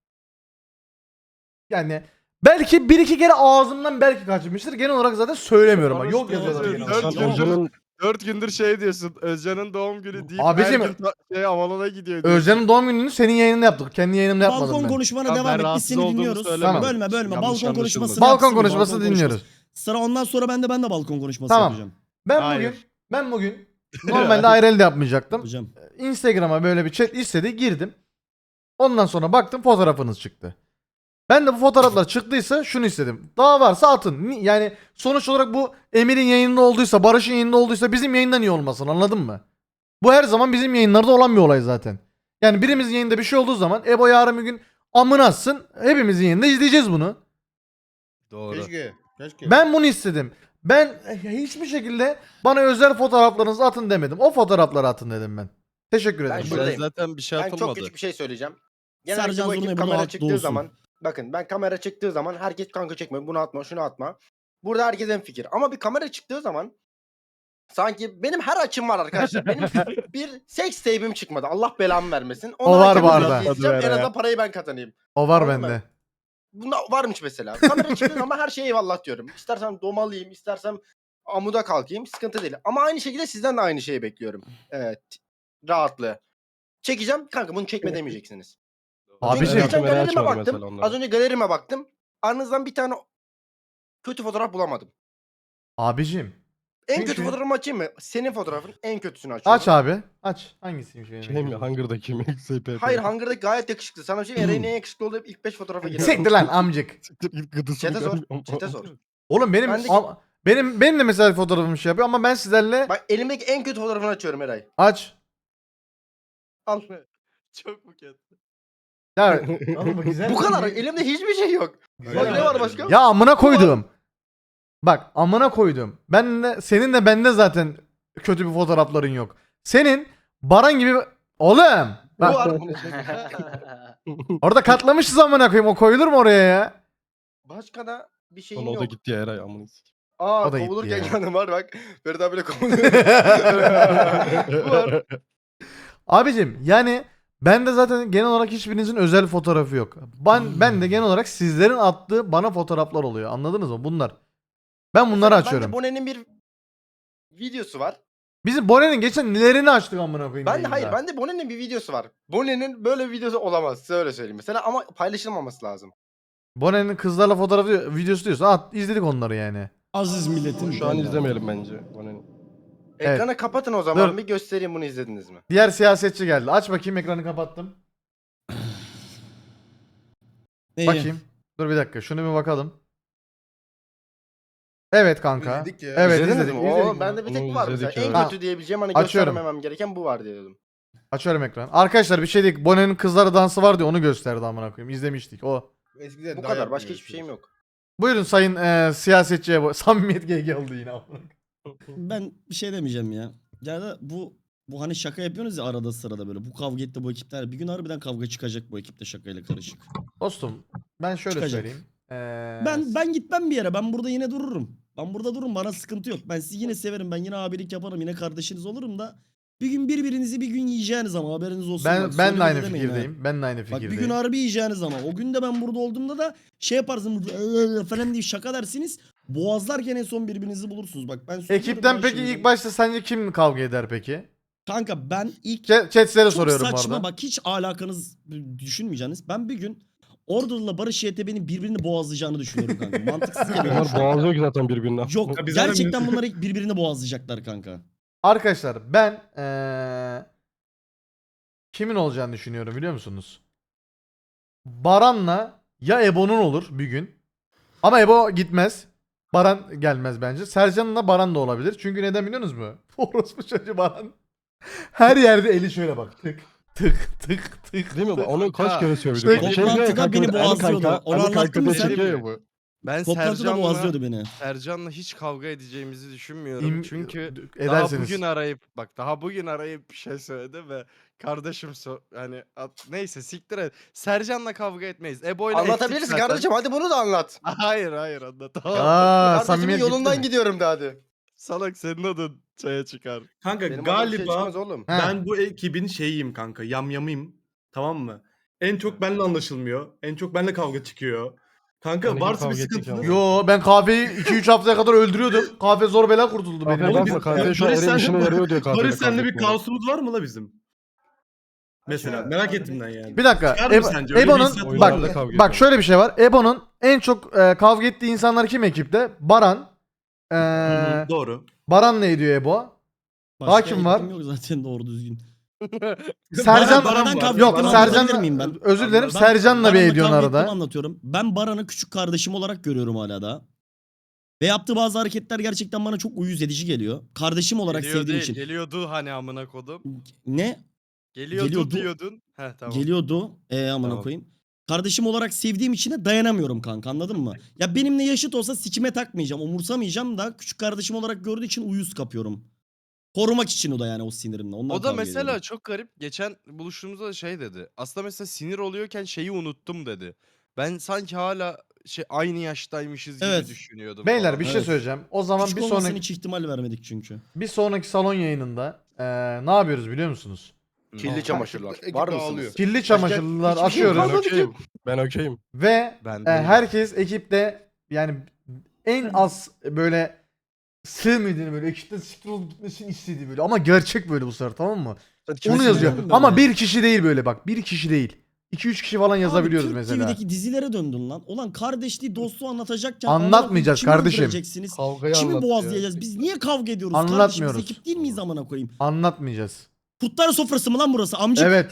[SPEAKER 2] Yani belki bir iki kere ağzımdan belki kaçmıştır. Genel olarak zaten söylemiyorum. Bak, yok yazıyorlar.
[SPEAKER 4] Söylüyorum.
[SPEAKER 2] genel
[SPEAKER 4] Dört
[SPEAKER 2] olarak.
[SPEAKER 4] gündür-
[SPEAKER 6] Özcan'ın
[SPEAKER 4] Dört gündür şey diyorsun. Özcan'ın doğum günü deyip
[SPEAKER 2] Abicim-
[SPEAKER 4] her gün ta- şey Avalon'a gidiyor diyorsun.
[SPEAKER 2] Özcan'ın doğum gününü senin yayınında yaptık. Kendi yayınımda yapmadım
[SPEAKER 1] Balkon
[SPEAKER 2] ben.
[SPEAKER 1] konuşmana
[SPEAKER 4] Tamam,
[SPEAKER 1] devam
[SPEAKER 4] ben
[SPEAKER 1] et. Biz
[SPEAKER 4] rahatsız
[SPEAKER 1] seni
[SPEAKER 4] olduğumu
[SPEAKER 1] dinliyoruz.
[SPEAKER 4] söylemedim.
[SPEAKER 1] Bölme bölme.
[SPEAKER 4] Yanlış
[SPEAKER 1] balkon konuşmasını
[SPEAKER 4] anlaşılmasın.
[SPEAKER 2] Balkon
[SPEAKER 1] yapsın bir,
[SPEAKER 2] konuşması
[SPEAKER 1] balkon
[SPEAKER 2] dinliyoruz.
[SPEAKER 1] konuşması. Sıra ondan sonra ben de ben de balkon konuşması
[SPEAKER 2] Tamam.
[SPEAKER 1] yapacağım.
[SPEAKER 2] Ben
[SPEAKER 3] Hayır.
[SPEAKER 2] bugün ben bugün normalde I R L'de yapmayacaktım.
[SPEAKER 1] Yapacağım.
[SPEAKER 2] Instagram'a böyle bir chat istedi, girdim. Ondan sonra baktım fotoğrafınız çıktı. Ben de bu fotoğraflar çıktıysa şunu istedim. Daha varsa atın. Ni- Yani sonuç olarak bu Emir'in yayında olduysa, Barış'ın yayında olduysa bizim yayında niye olmasın, anladın mı? Bu her zaman bizim yayınlarda olan bir olay zaten. Yani birimizin yayında bir şey olduğu zaman Ebo yarın bir gün amına atsın, hepimizin yayında izleyeceğiz bunu.
[SPEAKER 4] Doğru.
[SPEAKER 5] Keşke. Keşke.
[SPEAKER 2] Ben bunu istedim. Ben hiçbir şekilde bana özel fotoğraflarınızı atın demedim. O fotoğrafları atın dedim ben. Teşekkür ederim.
[SPEAKER 5] Ben
[SPEAKER 4] Bize
[SPEAKER 5] buradayım.
[SPEAKER 4] zaten bir şey
[SPEAKER 5] Ben çok
[SPEAKER 4] atılmadı.
[SPEAKER 5] küçük bir şey söyleyeceğim. Genelde
[SPEAKER 1] Sercan
[SPEAKER 5] bu
[SPEAKER 1] Zurna'yı
[SPEAKER 5] ekip
[SPEAKER 1] burada
[SPEAKER 5] kamera
[SPEAKER 1] haklı
[SPEAKER 5] çıktığı
[SPEAKER 1] olsun.
[SPEAKER 5] zaman bakın ben kamera çıktığı zaman herkes kanka çekme bunu atma şunu atma. Burada herkes en fikir. Ama bir kamera çıktığı zaman sanki benim her açım var arkadaşlar. Benim bir seks tape'im çıkmadı. Allah belamı vermesin. Onu
[SPEAKER 2] O var
[SPEAKER 5] herkes
[SPEAKER 2] bu
[SPEAKER 5] biraz
[SPEAKER 2] arada.
[SPEAKER 5] izleyeceğim,
[SPEAKER 3] Hadi
[SPEAKER 5] En
[SPEAKER 3] ver
[SPEAKER 5] azından
[SPEAKER 3] ya.
[SPEAKER 5] parayı ben kazanayım.
[SPEAKER 2] O var
[SPEAKER 5] Anladın mı?
[SPEAKER 2] bende.
[SPEAKER 5] Bunda varmış mesela. Kamera çıktığı zaman her şeye eyvallah diyorum. İstersem domalıyım, istersem amuda kalkayım. Sıkıntı değil. Ama aynı şekilde sizden de aynı şeyi bekliyorum. Evet. Rahatlığı. Çekeceğim. Kanka bunu çekme demeyeceksiniz.
[SPEAKER 2] Abiciğim.
[SPEAKER 5] Çünkü geçen
[SPEAKER 6] Kamerayı
[SPEAKER 5] galerime
[SPEAKER 6] açmadı
[SPEAKER 5] baktım.
[SPEAKER 6] mesela onlara.
[SPEAKER 5] Az önce galerime baktım. Aranızdan bir tane kötü fotoğraf bulamadım.
[SPEAKER 2] Abicim.
[SPEAKER 5] En
[SPEAKER 2] Çünkü-
[SPEAKER 5] kötü fotoğrafımı açayım mı? Senin fotoğrafın en kötüsünü açıyorum.
[SPEAKER 2] Aç abi. Aç. Hangisiymiş benim?
[SPEAKER 6] şey mi? Hunger'daki mi? S P P.
[SPEAKER 5] Hayır Hunger'daki gayet yakışıklı. Sana bir şey Eray'ın en yakışıklı olduğu ilk beş fotoğrafa girer.
[SPEAKER 2] Siktir lan amcık.
[SPEAKER 6] Siktir git gıdısını
[SPEAKER 5] Çete sor.
[SPEAKER 6] görmüyorum.
[SPEAKER 5] Çete sor.
[SPEAKER 2] Oğlum benim
[SPEAKER 5] Ben de-
[SPEAKER 2] ama- benim benim de mesela fotoğrafım şey yapıyor ama ben sizlerle
[SPEAKER 5] Bak elimdeki en kötü fotoğrafını açıyorum Eray.
[SPEAKER 2] aç.
[SPEAKER 5] Al.
[SPEAKER 4] Çok buket.
[SPEAKER 2] Ya oğlum bu güzel.
[SPEAKER 5] Bu kadar. Elimde hiçbir şey yok.
[SPEAKER 2] Güzel.
[SPEAKER 5] Bak ne var başka?
[SPEAKER 2] Ya amına koydum. Bak amına koydum. Ben de senin de bende zaten kötü bir fotoğrafların yok. Senin Baran gibi oğlum.
[SPEAKER 5] Bu
[SPEAKER 2] Bak,
[SPEAKER 5] var.
[SPEAKER 2] orada katlamışız amına koyayım. O koyulur mu oraya ya?
[SPEAKER 5] Başka da bir şeyim
[SPEAKER 6] Sonra o
[SPEAKER 5] yok.
[SPEAKER 6] da gitti ya Eray amına sikeyim.
[SPEAKER 5] Aa
[SPEAKER 2] O da gitti
[SPEAKER 5] kovulurken
[SPEAKER 2] ya.
[SPEAKER 5] yanım var bak. Ferit abiyle kovuluyor. Bu var.
[SPEAKER 2] Abicim yani ben de zaten genel olarak hiçbirinizin özel fotoğrafı yok. Ben ben de genel olarak sizlerin attığı bana fotoğraflar oluyor. Anladınız mı? Bunlar. Ben bunları açıyorum.
[SPEAKER 5] Bende Bonen'in bir videosu var.
[SPEAKER 2] Bizim Bonen'in geçen nelerini açtık amına koyayım.
[SPEAKER 5] Ben de
[SPEAKER 2] yayında.
[SPEAKER 5] hayır bende Bonen'in bir videosu var. Bonen'in böyle bir videosu olamaz. Size öyle söyleyeyim mesela ama paylaşılmaması lazım.
[SPEAKER 2] Bonen'in kızlarla fotoğrafı videosu diyorsa at izledik onları yani.
[SPEAKER 1] Aziz milletin.
[SPEAKER 6] Şu an izlemeyelim bence. Onun
[SPEAKER 2] Evet.
[SPEAKER 5] Ekranı kapatın o zaman
[SPEAKER 2] Dur.
[SPEAKER 5] bir göstereyim bunu izlediniz mi?
[SPEAKER 2] Diğer siyasetçi geldi. Aç bakayım, ekranı kapattım.
[SPEAKER 1] İyi.
[SPEAKER 2] Bakayım. Dur bir dakika şunu bir bakalım. Evet kanka.
[SPEAKER 5] İzledik ya.
[SPEAKER 2] Evet
[SPEAKER 5] İzlediniz
[SPEAKER 2] izledik.
[SPEAKER 5] mi?
[SPEAKER 2] izledik.
[SPEAKER 5] Oo, bende bir tek
[SPEAKER 6] Onu
[SPEAKER 5] var mesela.
[SPEAKER 6] izledik,
[SPEAKER 5] En
[SPEAKER 6] evet.
[SPEAKER 5] kötü diyebileceğim hani
[SPEAKER 2] Açıyorum.
[SPEAKER 5] göstermemem gereken bu var diye dedim.
[SPEAKER 2] Açıyorum ekranı. Arkadaşlar bir şey değil. Bonen'in kızları dansı vardı onu gösterdi amına koyayım. İzlemiştik o.
[SPEAKER 5] Bu kadar başka hiçbir şeyim yok.
[SPEAKER 2] Buyurun sayın eee siyasetçiye bu. Samimiyet G G oldu yine amına koyayım.
[SPEAKER 1] Ben bir şey demeyeceğim ya. Ya da bu bu hani şaka yapıyorsunuz ya arada sırada böyle. Bu kavga etti bu ekipler. Bir gün harbiden kavga çıkacak bu ekipte şakayla karışık.
[SPEAKER 2] Dostum ben şöyle
[SPEAKER 1] Çıkacak.
[SPEAKER 2] söyleyeyim. Eee,
[SPEAKER 1] Ben ben gitmem bir yere. Ben burada yine dururum. Ben burada dururum. Bana sıkıntı yok. Ben sizi yine severim. Ben yine abilik yaparım. Yine kardeşiniz olurum da bir gün birbirinizi bir gün yiyeceğiniz ama haberiniz olsun.
[SPEAKER 2] ben
[SPEAKER 1] Bak,
[SPEAKER 2] ben de
[SPEAKER 1] söyleme
[SPEAKER 2] aynı
[SPEAKER 1] demeyin ha.
[SPEAKER 2] fikirdeyim. Ben de aynı
[SPEAKER 1] Bak
[SPEAKER 2] fikirdeyim.
[SPEAKER 1] bir gün harbi yiyeceğiniz ama o gün de ben burada olduğumda da şey yaparsın falan diye şaka dersiniz. Boğazlarken en son birbirinizi bulursunuz. Bak ben söylüyorum
[SPEAKER 2] Ekipten
[SPEAKER 1] ya
[SPEAKER 2] peki
[SPEAKER 1] şimdi.
[SPEAKER 2] ilk başta sence kim kavga eder peki?
[SPEAKER 1] Kanka ben ilk
[SPEAKER 2] Chat chatlere
[SPEAKER 1] çok
[SPEAKER 2] soruyorum bu
[SPEAKER 1] saçma
[SPEAKER 2] arada.
[SPEAKER 1] bak hiç alakanız düşünmeyeceğiniz. Ben bir gün Order'la Barış Y T B'nin birbirini boğazlayacağını düşünüyorum kanka. Mantıksız geliyor.
[SPEAKER 6] Bunlar boğazlıyor ki zaten birbirine.
[SPEAKER 1] Yok
[SPEAKER 3] Ya biz zaten-
[SPEAKER 1] gerçekten bunlar ilk birbirini boğazlayacaklar kanka.
[SPEAKER 2] Arkadaşlar ben eee, kimin olacağını düşünüyorum biliyor musunuz? Baran'la ya Ebo'nun olur bir gün. Ama Ebo gitmez. Baran gelmez bence. Sercan'la Baran da olabilir. Çünkü neden biliyor musunuz mu? Orospu çocuğu Baran. Her yerde eli şöyle bak. Tık tık tık tık.
[SPEAKER 6] Değil mi?
[SPEAKER 2] tık.
[SPEAKER 6] Onu kaç kere söyledik.
[SPEAKER 2] Sürekli
[SPEAKER 6] Şey diyor ya
[SPEAKER 1] toplantıda
[SPEAKER 6] kanka,
[SPEAKER 1] beni
[SPEAKER 6] Ali
[SPEAKER 1] boğazlıyordu.
[SPEAKER 6] kanka,
[SPEAKER 1] Onu
[SPEAKER 6] Ali kanka
[SPEAKER 1] anlattın mı
[SPEAKER 6] diye
[SPEAKER 1] sen?
[SPEAKER 6] çekiyor ya bu.
[SPEAKER 4] Ben
[SPEAKER 1] Toplantıda
[SPEAKER 4] Sercan'la
[SPEAKER 1] boğazlıyordu beni.
[SPEAKER 4] Sercan'la hiç kavga edeceğimizi düşünmüyorum.
[SPEAKER 2] İm-
[SPEAKER 4] Çünkü daha
[SPEAKER 2] edersiniz.
[SPEAKER 4] bugün arayıp bak daha bugün arayıp bir şey söyledi ve kardeşim so hani at- neyse siktir et. Sercan'la kavga etmeyiz. Ebo'yla ettik
[SPEAKER 5] Anlatabilirsin
[SPEAKER 4] zaten.
[SPEAKER 5] kardeşim, hadi bunu da anlat.
[SPEAKER 4] Hayır hayır anlatamam.
[SPEAKER 2] Aa,
[SPEAKER 5] Kardeşimin
[SPEAKER 2] samimiyet gitti
[SPEAKER 5] yolundan
[SPEAKER 2] mi?
[SPEAKER 5] gidiyorum de hadi.
[SPEAKER 4] Salak senin adın şeye çıkar.
[SPEAKER 3] Kanka
[SPEAKER 5] Benim adım bir şey
[SPEAKER 3] galiba
[SPEAKER 5] çıkmaz oğlum.
[SPEAKER 2] Ha.
[SPEAKER 3] ben bu ekibin şeyiyim kanka. Yamyamıyım. Tamam mı? En çok benimle anlaşılmıyor. En çok benimle kavga çıkıyor. Kanka
[SPEAKER 6] Yani
[SPEAKER 3] varsa bir
[SPEAKER 6] kavga ettik
[SPEAKER 3] sıkıntınız.
[SPEAKER 6] ama.
[SPEAKER 2] Yo ben kahveyi iki üç haftaya kadar öldürüyordum. Kahve zor bela kurtuldu benim.
[SPEAKER 3] Oğlum
[SPEAKER 6] Oğlum
[SPEAKER 3] biz-
[SPEAKER 6] biz kahve şu an
[SPEAKER 3] Barış
[SPEAKER 6] Eren
[SPEAKER 3] senle-
[SPEAKER 6] işine yarıyor diyor kahveyle
[SPEAKER 3] Barış senle
[SPEAKER 6] kavga
[SPEAKER 3] bir
[SPEAKER 6] etmeye.
[SPEAKER 3] kaosumuz var mı la bizim? Mesela
[SPEAKER 7] Şöyle,
[SPEAKER 3] merak
[SPEAKER 7] kahve
[SPEAKER 3] ettim ben yani.
[SPEAKER 2] Bir dakika.
[SPEAKER 3] Çıkar mı
[SPEAKER 2] Ebo-
[SPEAKER 3] sence? Öyle bir
[SPEAKER 2] Ebo'nun
[SPEAKER 3] hissiyatım
[SPEAKER 2] bak
[SPEAKER 3] var.
[SPEAKER 6] Oyunlarda kavga
[SPEAKER 2] bak
[SPEAKER 6] ediyor.
[SPEAKER 2] şöyle bir şey var. Ebo'nun en çok e, kavga ettiği insanlar kim ekipte? Baran. E,
[SPEAKER 3] Hı hı, Doğru.
[SPEAKER 2] Baran ne ediyor Ebo? Daha kim var?
[SPEAKER 1] ekibim yok zaten doğru düzgün.
[SPEAKER 2] Sercan
[SPEAKER 3] Baran var.
[SPEAKER 1] kavga
[SPEAKER 2] yok
[SPEAKER 1] ettim,
[SPEAKER 2] Sercan
[SPEAKER 1] anlatabilir miyim ben?
[SPEAKER 2] özür dilerim
[SPEAKER 1] Ben
[SPEAKER 2] Sercan'la bir
[SPEAKER 1] Baran'la
[SPEAKER 2] ediyorsun
[SPEAKER 1] kavga ettiğimi
[SPEAKER 2] arada.
[SPEAKER 1] anlatıyorum. Ben Baran'ı küçük kardeşim olarak görüyorum hala da. Ve yaptığı bazı hareketler gerçekten bana çok uyuz edici geliyor. Kardeşim olarak
[SPEAKER 4] Geliyor
[SPEAKER 1] sevdiğim
[SPEAKER 4] değil,
[SPEAKER 1] için.
[SPEAKER 4] geliyordu hani amına kodum.
[SPEAKER 1] Ne?
[SPEAKER 4] Geliyordu,
[SPEAKER 1] Geliyordu.
[SPEAKER 4] diyordun. Heh tamam.
[SPEAKER 1] Geliyordu. E amına
[SPEAKER 4] Tamam.
[SPEAKER 1] koyayım. Kardeşim olarak sevdiğim için de dayanamıyorum kanka, anladın mı? Ya benimle yaşıt olsa sikime takmayacağım, umursamayacağım da küçük kardeşim olarak gördüğü için uyuz kapıyorum. Korumak için o da yani o sinirimle. Ondan
[SPEAKER 4] O da
[SPEAKER 1] kavga
[SPEAKER 4] mesela
[SPEAKER 1] ediyorum.
[SPEAKER 4] çok garip. Geçen buluştuğumuzda da şey dedi. Aslında mesela sinir oluyorken şeyi unuttum dedi. Ben sanki hala şey aynı yaştaymışız gibi
[SPEAKER 1] Evet.
[SPEAKER 4] düşünüyordum
[SPEAKER 2] Beyler
[SPEAKER 4] falan.
[SPEAKER 2] bir şey
[SPEAKER 1] Evet.
[SPEAKER 2] söyleyeceğim. O zaman
[SPEAKER 1] Küçük
[SPEAKER 2] bir
[SPEAKER 1] olmasına
[SPEAKER 2] sonraki
[SPEAKER 1] hiç ihtimal vermedik çünkü.
[SPEAKER 2] bir sonraki salon yayınında e, ne yapıyoruz biliyor musunuz?
[SPEAKER 5] Kirli çamaşırlar.
[SPEAKER 8] Ekip
[SPEAKER 5] Var
[SPEAKER 8] dağılıyor.
[SPEAKER 5] mısınız?
[SPEAKER 2] Kirli çamaşırlar
[SPEAKER 5] hiçbir şey
[SPEAKER 2] açıyoruz
[SPEAKER 6] Ben okeyim. Ben okeyim.
[SPEAKER 2] ve
[SPEAKER 4] Ben
[SPEAKER 2] e,
[SPEAKER 4] değilim.
[SPEAKER 2] herkes ekipte yani en az böyle sevmediğini böyle ekipten siktir olup gitmesini istediği böyle ama gerçek böyle bu sefer, tamam mı? Onu yazıyor.
[SPEAKER 1] sinirlendim
[SPEAKER 2] Ama
[SPEAKER 1] ben
[SPEAKER 2] bir kişi değil böyle bak. Bir kişi değil. iki üç kişi falan yazabiliyoruz
[SPEAKER 1] Abi,
[SPEAKER 2] mesela.
[SPEAKER 1] Türk T V'deki dizilere döndün lan. Ulan kardeşliği dostluğu anlatacakken
[SPEAKER 2] Anlatmayacağız
[SPEAKER 1] amına koyayım, kimi
[SPEAKER 2] kardeşim.
[SPEAKER 1] öldüreceksiniz?
[SPEAKER 6] Kavgayı
[SPEAKER 1] Kimi
[SPEAKER 6] anlat
[SPEAKER 1] boğazlayacağız? Biz niye kavga ediyoruz kardeşim?
[SPEAKER 2] Anlatmıyoruz.
[SPEAKER 1] Biz ekip değil miyiz amına koyayım?
[SPEAKER 2] Anlatmayacağız.
[SPEAKER 1] Kurtlar sofrası mı lan burası? Amcık.
[SPEAKER 2] Evet.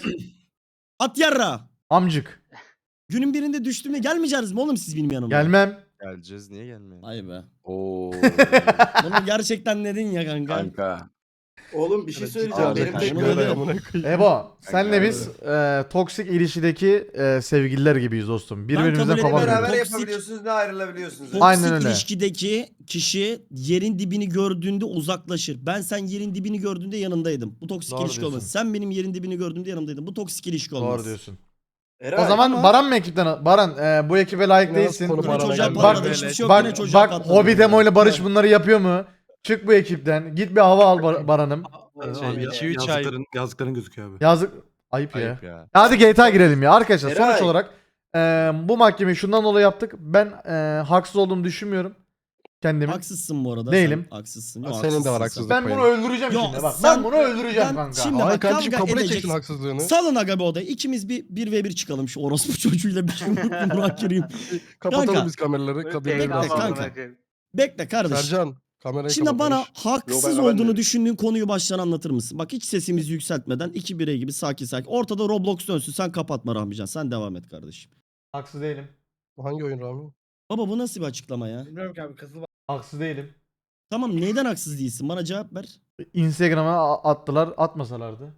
[SPEAKER 1] At yarra.
[SPEAKER 2] Amcık.
[SPEAKER 1] Günün birinde düştüğümde gelmeyeceğiz mi oğlum siz benim yanıma?
[SPEAKER 2] Gelmem.
[SPEAKER 4] Geleceğiz niye gelmiyor?
[SPEAKER 1] Ay be.
[SPEAKER 7] Oo.
[SPEAKER 1] Bunu gerçekten dedin ya kanka.
[SPEAKER 7] Kanka.
[SPEAKER 3] Oğlum bir şey söyleyeceğim.
[SPEAKER 7] Abi,
[SPEAKER 3] Benim
[SPEAKER 7] kanka.
[SPEAKER 3] tek
[SPEAKER 1] Bunu
[SPEAKER 3] böyle...
[SPEAKER 1] dedi.
[SPEAKER 6] Amına koyayım.
[SPEAKER 2] Ebo senle
[SPEAKER 7] Kanka,
[SPEAKER 2] biz e, toksik ilişkideki e, sevgililer gibiyiz dostum.
[SPEAKER 1] kabul
[SPEAKER 2] Birbirimizden
[SPEAKER 1] edemem.
[SPEAKER 2] kopamıyoruz.
[SPEAKER 1] Toksik-
[SPEAKER 7] Beraber yapabiliyorsunuz ne ayrılabiliyorsunuz.
[SPEAKER 1] Toksik
[SPEAKER 2] Aynen öyle.
[SPEAKER 1] ilişkideki kişi yerin dibini gördüğünde uzaklaşır. Ben sen yerin dibini gördüğünde yanındaydım. Bu toksik
[SPEAKER 2] Doğru
[SPEAKER 1] ilişki olmaz.
[SPEAKER 2] diyorsun.
[SPEAKER 1] Sen benim yerin dibini gördüğümde yanımdaydın. Bu toksik ilişki olmaz.
[SPEAKER 2] Doğru diyorsun.
[SPEAKER 3] Eray,
[SPEAKER 2] O zaman
[SPEAKER 1] ama-
[SPEAKER 2] Baran mı ekipten? Baran e, bu ekibe layık
[SPEAKER 6] Yine
[SPEAKER 2] değilsin.
[SPEAKER 6] konu
[SPEAKER 1] Yine
[SPEAKER 6] Baran'a
[SPEAKER 1] çocuğa
[SPEAKER 6] geldi.
[SPEAKER 1] patladı.
[SPEAKER 4] Bak-
[SPEAKER 1] Hiçbir şey yok. Yine
[SPEAKER 2] Bak
[SPEAKER 1] çocuğa
[SPEAKER 2] bak
[SPEAKER 1] patladı.
[SPEAKER 2] Hobbit Emo ile Barış bunları yapıyor mu? Çık bu ekipten. Git bir hava al Bar- Baran'ım.
[SPEAKER 4] Şey, iki üç ay
[SPEAKER 3] yazdıkların, yazdıkların gözüküyor abi.
[SPEAKER 2] Yazık. Ayıp ya.
[SPEAKER 4] ayıp ya.
[SPEAKER 2] Hadi G T A girelim ya. Arkadaşlar sonuç
[SPEAKER 3] Eray.
[SPEAKER 2] olarak e, bu mahkemeyi şundan dolayı yaptık. Ben e, haksız olduğumu düşünmüyorum. Kendimi.
[SPEAKER 1] Haksızsın bu arada.
[SPEAKER 2] Değilim.
[SPEAKER 1] Sen haksızsın.
[SPEAKER 6] Ha,
[SPEAKER 1] Yok,
[SPEAKER 6] senin de
[SPEAKER 1] haksızsın
[SPEAKER 6] var
[SPEAKER 1] sen.
[SPEAKER 6] haksızlık.
[SPEAKER 2] Ben bunu
[SPEAKER 6] payın.
[SPEAKER 2] öldüreceğim
[SPEAKER 1] Yo,
[SPEAKER 2] şimdi. Bak
[SPEAKER 1] sen-
[SPEAKER 2] ben bunu öldüreceğim
[SPEAKER 1] ben
[SPEAKER 2] kanka.
[SPEAKER 1] şimdi-
[SPEAKER 6] Ay
[SPEAKER 1] bak,
[SPEAKER 6] kardeşim
[SPEAKER 1] kavga
[SPEAKER 6] kabul
[SPEAKER 1] edeceksin.
[SPEAKER 6] edeceksin haksızlığını.
[SPEAKER 1] Salın aga bu odayı. İkimiz bir bir ve bir çıkalım şu orospu çocuğuyla bir şey Burak gireyim.
[SPEAKER 6] Kapatalım
[SPEAKER 1] Kanka.
[SPEAKER 6] biz kameraları. Kabirleri
[SPEAKER 1] Bekle
[SPEAKER 6] biraz
[SPEAKER 1] kanka. Bekle kardeş.
[SPEAKER 6] Sercan kamerayı
[SPEAKER 1] Şimdi
[SPEAKER 6] kapat
[SPEAKER 1] bana
[SPEAKER 6] Barış.
[SPEAKER 1] haksız
[SPEAKER 3] Yo, ben- ben
[SPEAKER 1] olduğunu
[SPEAKER 3] de-
[SPEAKER 1] düşündüğün konuyu baştan anlatır mısın? Bak hiç sesimizi yükseltmeden iki birey gibi sakin sakin. Ortada Roblox dönsün. Sen kapatma Rahmican. Sen devam et kardeşim.
[SPEAKER 2] Haksız değilim.
[SPEAKER 6] Bu hangi oyun Rami?
[SPEAKER 1] Baba bu nasıl bir açıklama ya?
[SPEAKER 8] Bilmiyorum ki abi kızıl var.
[SPEAKER 2] Haksız değilim.
[SPEAKER 1] Tamam neyden haksız değilsin? Bana cevap ver.
[SPEAKER 2] Instagram'a a- attılar, atmasalardı.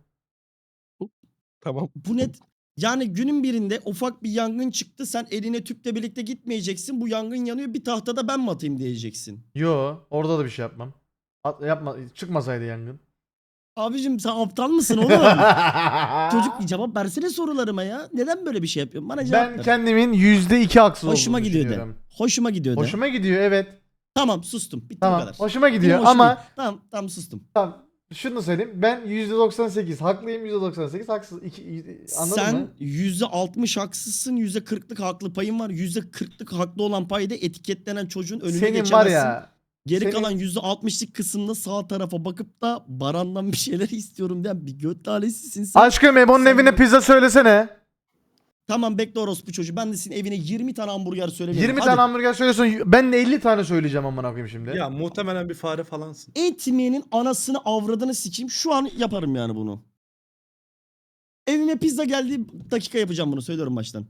[SPEAKER 6] Tamam.
[SPEAKER 1] Bu net. Yani günün birinde ufak bir yangın çıktı. Sen eline tüple birlikte gitmeyeceksin. Bu yangın yanıyor. Bir tahtada ben mi atayım diyeceksin.
[SPEAKER 2] Yo, orada da bir şey yapmam. At, yapma, çıkmasaydı yangın.
[SPEAKER 1] Abicim sen aptal mısın oğlum? Çocuk bir cevap versene sorularıma ya. Neden böyle bir şey yapıyorsun? Bana cevap
[SPEAKER 2] Ben
[SPEAKER 1] ver.
[SPEAKER 2] kendimin yüzde iki haksız
[SPEAKER 1] Hoşuma
[SPEAKER 2] olduğunu
[SPEAKER 1] gidiyor de.
[SPEAKER 2] düşünüyorum.
[SPEAKER 1] Hoşuma gidiyor de.
[SPEAKER 2] Hoşuma gidiyor evet.
[SPEAKER 1] Tamam sustum. Bitti bu
[SPEAKER 2] Tamam.
[SPEAKER 1] kadar.
[SPEAKER 2] Hoşuma
[SPEAKER 1] Benim
[SPEAKER 2] gidiyor
[SPEAKER 1] hoşuma
[SPEAKER 2] ama
[SPEAKER 1] gidiyor. Tamam tamam sustum.
[SPEAKER 2] tamam, şunu söyleyeyim. Ben yüzde doksan sekiz haklıyım, yüzde doksan sekiz haksız. İki, anladın
[SPEAKER 1] Sen
[SPEAKER 2] mı?
[SPEAKER 1] yüzde altmış haksızsın. yüzde kırklık haklı payın var. yüzde kırklık haklı olan payda etiketlenen çocuğun önüne
[SPEAKER 2] Senin
[SPEAKER 1] geçemezsin.
[SPEAKER 2] var ya.
[SPEAKER 1] Geri
[SPEAKER 2] senin-
[SPEAKER 1] kalan yüzde altmışlık kısımda sağ tarafa bakıp da Baran'dan bir şeyler istiyorum diyen bir göt talesisin sen.
[SPEAKER 2] Aşkım Ebo'nun
[SPEAKER 1] Sen-
[SPEAKER 2] evine pizza söylesene.
[SPEAKER 1] Tamam bekle orospu çocuğu. Ben de senin evine yirmi tane hamburger söylemiyorum.
[SPEAKER 2] yirmi
[SPEAKER 1] Hadi.
[SPEAKER 2] tane hamburger söylüyorsun. Ben de elli tane söyleyeceğim amına koyayım şimdi.
[SPEAKER 3] Ya muhtemelen bir fare falansın.
[SPEAKER 1] Etmeyenin anasını avradını sikeyim. Şu an yaparım yani bunu. Evime pizza geldi dakika yapacağım bunu. Söylüyorum baştan.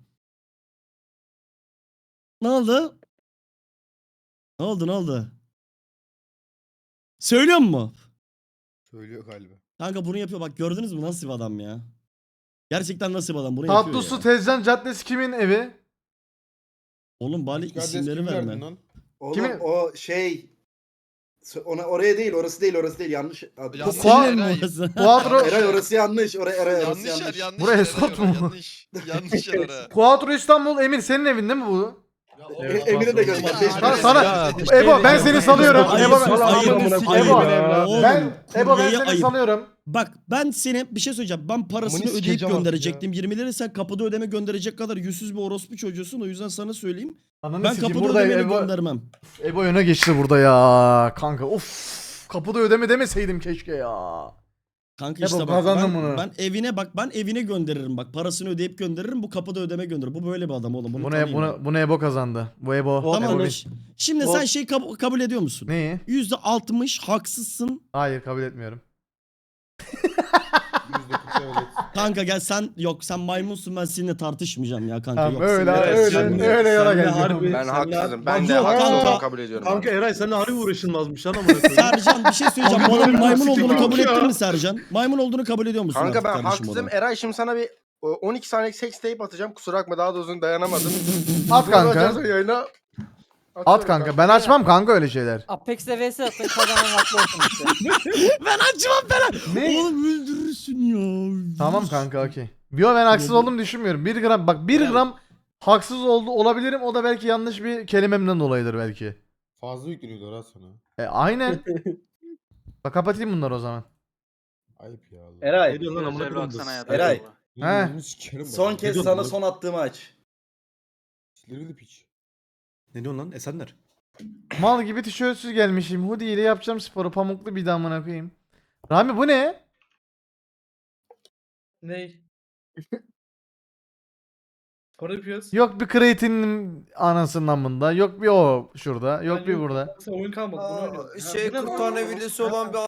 [SPEAKER 1] Ne oldu? Ne oldu ne oldu? Söylüyor mu?
[SPEAKER 8] Söylüyor galiba.
[SPEAKER 1] Kanka bunu yapıyor. Bak gördünüz mü nasıl bir adam ya? Gerçekten nasıl bir adam bunu yapıyor
[SPEAKER 2] Tatlısı
[SPEAKER 1] ya.
[SPEAKER 2] Tezcan Caddesi kimin evi?
[SPEAKER 1] Oğlum bari
[SPEAKER 8] Rüzgar Dez
[SPEAKER 1] isimleri
[SPEAKER 8] kim verdin
[SPEAKER 1] verme.
[SPEAKER 8] lan?
[SPEAKER 9] Oğlum
[SPEAKER 2] Kimi-
[SPEAKER 9] o şey ona oraya değil, orası değil, orası değil. Yanlış adı.
[SPEAKER 10] Yanlış
[SPEAKER 2] Kuat-
[SPEAKER 10] yer,
[SPEAKER 1] Senin mi
[SPEAKER 10] Eray.
[SPEAKER 1] orası?
[SPEAKER 2] Quattro,
[SPEAKER 9] Eray orası yanlış. Oraya Eray orası
[SPEAKER 10] Yanlış yer,
[SPEAKER 9] yanlış.
[SPEAKER 10] yanlış
[SPEAKER 2] Buraya
[SPEAKER 10] yer,
[SPEAKER 2] sot
[SPEAKER 10] Eray,
[SPEAKER 2] mu?
[SPEAKER 10] Yanlış. Yanlış yer ara.
[SPEAKER 2] Quattro İstanbul Emir senin evin değil mi bu?
[SPEAKER 9] E, Emir'e de gönder.
[SPEAKER 10] Ya,
[SPEAKER 9] beş
[SPEAKER 2] Sana,
[SPEAKER 9] bin.
[SPEAKER 2] sana
[SPEAKER 6] Ya,
[SPEAKER 2] Ebo ben seni salıyorum.
[SPEAKER 1] Ayıp,
[SPEAKER 2] Ebo,
[SPEAKER 1] sus,
[SPEAKER 6] ayıp,
[SPEAKER 2] Ebo,
[SPEAKER 6] amına
[SPEAKER 1] ayıp
[SPEAKER 6] koyayım
[SPEAKER 1] ya.
[SPEAKER 6] ya.
[SPEAKER 1] Oğlum,
[SPEAKER 2] ben Ebo ben
[SPEAKER 1] kuryeye
[SPEAKER 2] seni
[SPEAKER 1] ayıp.
[SPEAKER 2] salıyorum.
[SPEAKER 1] Bak ben seni bir şey söyleyeceğim. Ben parasını
[SPEAKER 6] Amını
[SPEAKER 1] ödeyip
[SPEAKER 6] sikeceğim artık
[SPEAKER 1] gönderecektim. yirmi lira sen kapıda ödeme gönderecek kadar yüzsüz bir orospu çocuğusun. O yüzden sana söyleyeyim.
[SPEAKER 2] Ananı
[SPEAKER 1] Ben
[SPEAKER 2] sikeyim,
[SPEAKER 1] kapıda
[SPEAKER 2] burada
[SPEAKER 1] ödemeyi
[SPEAKER 2] Ebo,
[SPEAKER 1] göndermem.
[SPEAKER 2] Ebo öne geçti burada ya. Kanka of. Kapıda ödeme demeseydim keşke ya.
[SPEAKER 1] Kanka
[SPEAKER 2] Ebo,
[SPEAKER 1] işte bak
[SPEAKER 2] kazandın
[SPEAKER 1] ben,
[SPEAKER 2] bunu.
[SPEAKER 1] ben evine bak ben evine gönderirim bak. Parasını ödeyip gönderirim. Bu kapıda ödeme gönderir. Bu böyle bir adam oğlum. Bunu,
[SPEAKER 2] Bunu,
[SPEAKER 1] tanıyın
[SPEAKER 2] bunu, bunu Ebo kazandı. Bu Ebo. Ebo
[SPEAKER 1] Tamam.
[SPEAKER 2] bin-
[SPEAKER 1] Şimdi
[SPEAKER 2] O-
[SPEAKER 1] sen şey kab- kabul ediyor musun?
[SPEAKER 2] Neyi?
[SPEAKER 1] yüzde altmış haksızsın.
[SPEAKER 2] Hayır kabul etmiyorum.
[SPEAKER 8] yüzde kırk evet.
[SPEAKER 1] Kanka gel sen yok sen maymunsun ben seninle tartışmayacağım ya kanka.
[SPEAKER 2] Tamam
[SPEAKER 1] yok,
[SPEAKER 2] öyle
[SPEAKER 1] seninle
[SPEAKER 2] öyle
[SPEAKER 1] tartışmayacağım ya.
[SPEAKER 2] öyle yola
[SPEAKER 3] Senle
[SPEAKER 2] geldim.
[SPEAKER 3] harbi-
[SPEAKER 5] Ben
[SPEAKER 3] Sen
[SPEAKER 5] haksızım.
[SPEAKER 3] de-
[SPEAKER 5] Ben de
[SPEAKER 1] Yok,
[SPEAKER 5] haksız
[SPEAKER 1] kanka.
[SPEAKER 5] olduğumu kabul ediyorum.
[SPEAKER 3] Kanka
[SPEAKER 5] abi.
[SPEAKER 3] Eray seninle harbi uğraşılmazmış lan amına koyayım.
[SPEAKER 1] Sercan bir şey söyleyeceğim.
[SPEAKER 3] Kanka
[SPEAKER 1] Bu adamın
[SPEAKER 3] böyle
[SPEAKER 1] maymun
[SPEAKER 3] nasıl
[SPEAKER 1] olduğunu
[SPEAKER 3] fikir
[SPEAKER 1] kabul
[SPEAKER 3] yok
[SPEAKER 1] ettin
[SPEAKER 3] ya?
[SPEAKER 1] mi Sercan? Maymun olduğunu kabul ediyor musun
[SPEAKER 5] Kanka
[SPEAKER 1] artık
[SPEAKER 5] ben
[SPEAKER 1] kardeşim
[SPEAKER 5] haksızım.
[SPEAKER 1] ona?
[SPEAKER 5] Eray şimdi sana bir o, on iki saniyelik sex tape atacağım. Kusura bakma daha da uzun dayanamadım.
[SPEAKER 2] At
[SPEAKER 5] Bunu
[SPEAKER 2] kanka.
[SPEAKER 5] açarsan yayına
[SPEAKER 2] At
[SPEAKER 5] atıyorum
[SPEAKER 2] kanka. Ben açmam kanka öyle şeyler.
[SPEAKER 11] Apex'te vs atın kazanan haklı olsun işte.
[SPEAKER 1] Ben açmam ben.
[SPEAKER 2] Ne?
[SPEAKER 1] Oğlum öldürürsün ya.
[SPEAKER 2] Tamam kanka okey. Yo ben haksız olduğumu düşünmüyorum. bir gram bak bir gram haksız oldu olabilirim. O da belki yanlış bir kelimemden dolayıdır belki.
[SPEAKER 8] Fazla yükleniyorlar ha sana.
[SPEAKER 2] E aynen. Bak kapatayım bunları o zaman.
[SPEAKER 8] Ayıp ya. Allah.
[SPEAKER 9] Eray.
[SPEAKER 3] Ne diyorsun lan amına koyayım?
[SPEAKER 9] Eray.
[SPEAKER 2] He.
[SPEAKER 8] Bunu sikerim bak.
[SPEAKER 9] Son kez
[SPEAKER 3] diyorsun
[SPEAKER 9] sana
[SPEAKER 3] lan?
[SPEAKER 9] son attığımı aç.
[SPEAKER 8] Silivri piç.
[SPEAKER 3] Ne diyorsun lan Esenler?
[SPEAKER 2] Mal gibi tişörtsüz gelmişim. Hoodie ile yapacağım sporu. Pamuklu bir damına koyayım. Rami bu ne?
[SPEAKER 11] Ney? Spor yapıyoruz.
[SPEAKER 2] Yok bir kreatinin anasından bunda. Yok bir o şurada. Yok bir burada.
[SPEAKER 11] Oyun kalmadı.
[SPEAKER 7] Aa, şey kırk tane videosu olan bir